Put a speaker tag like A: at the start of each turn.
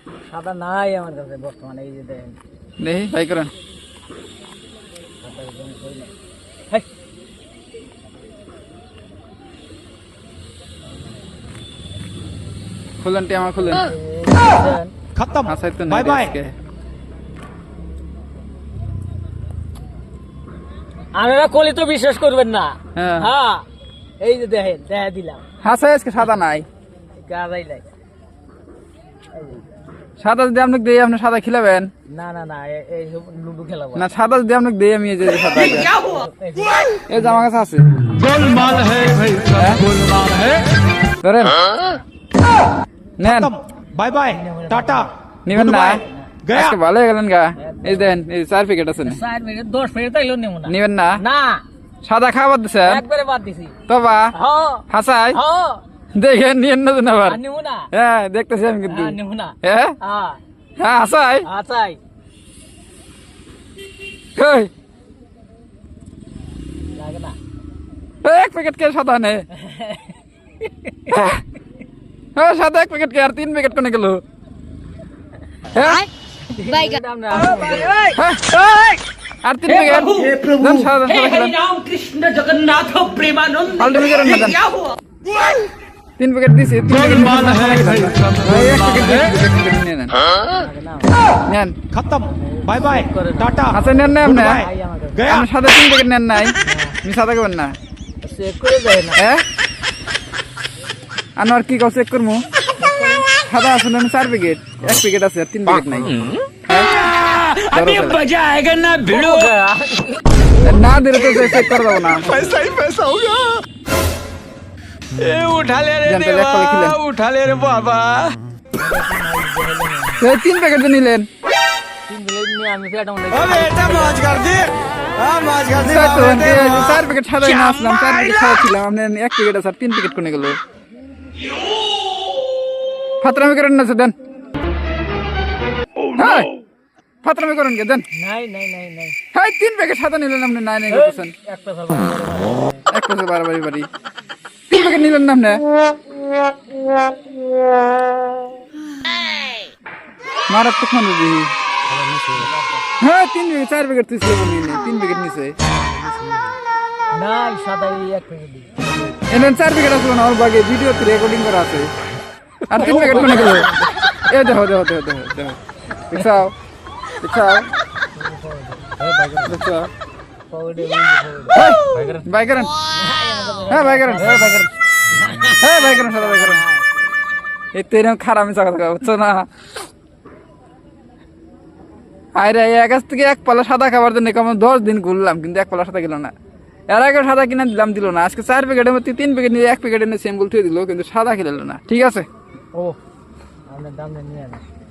A: সাদা নাই আমার কাছে বর্তমানে, এই যে দেখেন।
B: দেখি ভাই করেন। খুলেন টি আমার খুলেন।
C: खत्म
B: আচ্ছা তো
C: बाय बाय
A: আপনারা কলি তো বিশ্বাস করবেন না।
B: হ্যাঁ
A: হ্যাঁ এই যে দেখেন, দেখা দিলাম
B: হাসা আজকে সাদা নাই।
A: গাজাই লাই।
B: সাদা যদি আপনাকে দেই আপনি সাদা খিলাবেন?
A: না না না, এই লুডু খেলাবো
B: না সাদা যদি আপনাকে দেই আমি এই যে সাদা এই যে আমার কাছে আছে।
C: गोलमाल है भाई सब गोलमाल है
B: ধরেন নেন।
C: खत्म बाय बाय टाटा
B: নিবেন না?
C: गया
B: আজকে ভালো হয়ে গেলেন গা। এই দেন এই 4 প্যাকেট আছে না।
A: 4 মিনিট 10 মিনিট তাইলো নেব না।
B: নিবেন না?
A: না
B: সাদা খাবার দিছেন?
A: একবারে বাদ দিছি।
B: তবা
A: হ্যাঁ
B: হাসাই
A: হ্যাঁ,
B: দেখেন নিয়েন না যেন আবার।
A: আর নেব না।
B: হ্যাঁ দেখতেছি আমি কিন্তু।
A: নেব না।
B: হ্যাঁ
A: হ্যাঁ
B: হ্যাঁ হাসাই
A: আচ্ছাই
B: কই
A: লাগে না।
B: এক প্যাকেট কে সাদা নে? হ্যাঁ সাদা এক প্যাকেট কে আর 3 প্যাকেট কোনে গেল? হ্যাঁ
A: আমরা
B: আর 3 প্যাকেট দেন সাদা সাদা খেলেন।
D: राम कृष्ण जगन्नाथ प्रेमानंद
B: পাল্টে mi করেন না দেন।
D: क्या हुआ
B: 3 প্যাকেট দিছি। 3 প্যাকেট
C: गोलमाल है भाई सब
B: এক
C: गोलमाल
B: প্যাকেট
C: है
B: নিয়ে নেন। নেন
C: खत्म बाय बाय टाटा
B: আচ্ছা নেন না আপনি?
C: Goodbye. गया
B: আপনি সাদা 3 প্যাকেট নেন নাই? আমি সাদা খাবেন না?
A: চেক করে দেয় না।
B: হ্যাঁ আনোয়ার কি কাউ চেক করবো? সাদা আছে না 4 প্যাকেট, 1 প্যাকেট আছে আর 3 প্যাকেট নাই।
D: अभी मजा आएगा ना भिड़ो
B: না দিলে তো চেক করে দেবো না।
C: पैसा ही पैसा होगा ए उठा ले रे
B: जानते
C: देवा
B: देख पहले खिले।
C: उठा ले रे बाबा
B: 3 প্যাকেট তো নিলেন।
A: 3 মিনিট নিয়ে আমি পেটা মনে
C: ओ बेटा मौज कर दे हां मौज कर दे
B: 4 প্যাকেট সাদা না আসলাম, 4 প্যাকেট সাদা ছিলাম, আপনি 1 প্যাকেট আছে আর 3 প্যাকেট কোনে গেল? ফাতরামি করেন না দেন। হ্যাঁ ফাতরামি করেন কে দেন।
A: নাই নাই নাই নাই
B: হ্যাঁ 3 প্যাকেট সাদা নিলেন আপনি নাই নাই করতেছেন।
A: একটা সাল
B: এক পাশে বারবারই বাড়ি 3 প্যাকেট নিলেন না আপনি? মারাত্মক মানুষ দিই। হ্যাঁ 4 প্যাকেট তুই ছিল বলি 3 প্যাকেট নিছে।
A: নাই সাদা এই এক প্যাকেট দিই।
B: এনেন 4 প্যাকেট আসলো না ওর বাগে ভিডিওতে রেকর্ডিং করা আছে। আর 3 প্যাকেট কোনে গেল? এ দেখো দেখো দেখো দেখো দেখো দেখাও দেখাও দেখাও। বাই করেন। হ্যাঁ বাই করেন। হ্যাঁ বাই করেন সাদা বাই করেন। এই তো এরকম খারাপ আমি চাকা বুঝছো না? আরে এক গাছ থেকে এক পালা সাদা খাবার জন্য কেমন 10 দিন ঘুরলাম কিন্তু এক পালা সাদা গেল না। এর আগে সাদা কিনা দিলাম দিল না। আজকে 4 প্যাকেটের মধ্যে 3 প্যাকেট নিয়ে 1 প্যাকেট এনে সেম বলতে দিল কিন্তু সাদা খেলো না। ঠিক আছে
A: ও আপনার দাম নিয়ে না।